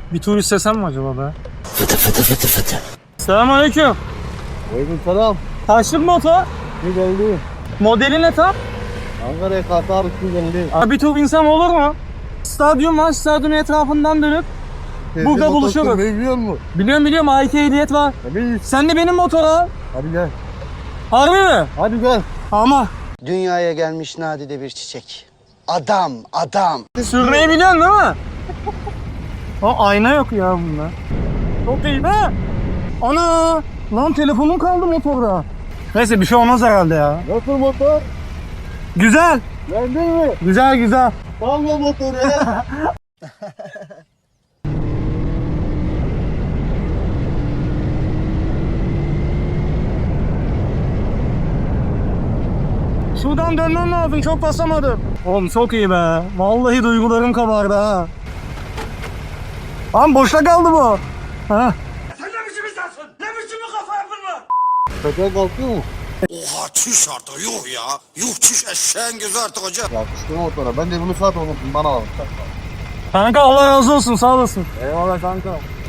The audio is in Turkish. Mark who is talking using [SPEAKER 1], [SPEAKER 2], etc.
[SPEAKER 1] Bir tur istesem mi acaba be? Fıtı fıtı fıtı fıtı. Selamünaleyküm.
[SPEAKER 2] Aleykümselam.
[SPEAKER 1] Kaçlık motor?
[SPEAKER 2] Ne geldi?
[SPEAKER 1] Modeli ne tam?
[SPEAKER 2] Ankara'ya Katar için geldi.
[SPEAKER 1] Abi bir tur insem olur mu? Stadyum var, stadyumun etrafından dönüp burada buluşuruz.
[SPEAKER 2] Ne biliyor musun?
[SPEAKER 1] Biliyorum A2 ehliyet var.
[SPEAKER 2] Tabii.
[SPEAKER 1] Sen de benim motora.
[SPEAKER 2] Hadi gel.
[SPEAKER 1] Harbi mi?
[SPEAKER 2] Hadi gel.
[SPEAKER 1] Ama
[SPEAKER 3] Dünyaya gelmiş nadide bir çiçek. Adam.
[SPEAKER 1] sürmeyi biliyorsun değil mi? O ayna yok ya bunda. Çok iyi be. Ana! Lan telefonum kaldı motorda. Neyse bir şey olmaz herhalde ya.
[SPEAKER 2] Nasıl motor?
[SPEAKER 1] Güzel.
[SPEAKER 2] Beğendin mi?
[SPEAKER 1] Güzel.
[SPEAKER 2] Salla motoru ya.
[SPEAKER 1] Şuradan dönmem lazım, çok basamadım. Oğlum çok iyi be. Vallahi duygularım kabardı ha. Lan boşta kaldı bu. Ha.
[SPEAKER 4] Sen ne biçim insansın? Ne biçim bir kafa yapın var?
[SPEAKER 2] Petrol kalkıyor mu?
[SPEAKER 4] Oha çüş artık yuh ya. Yuh çüş eşeğin gözü artık hocam.
[SPEAKER 2] Yakıştı motora. Ben de bunu saat unuttum. Bana al.
[SPEAKER 1] Kanka Allah razı olsun, sağ olasın.
[SPEAKER 2] Eyvallah kanka.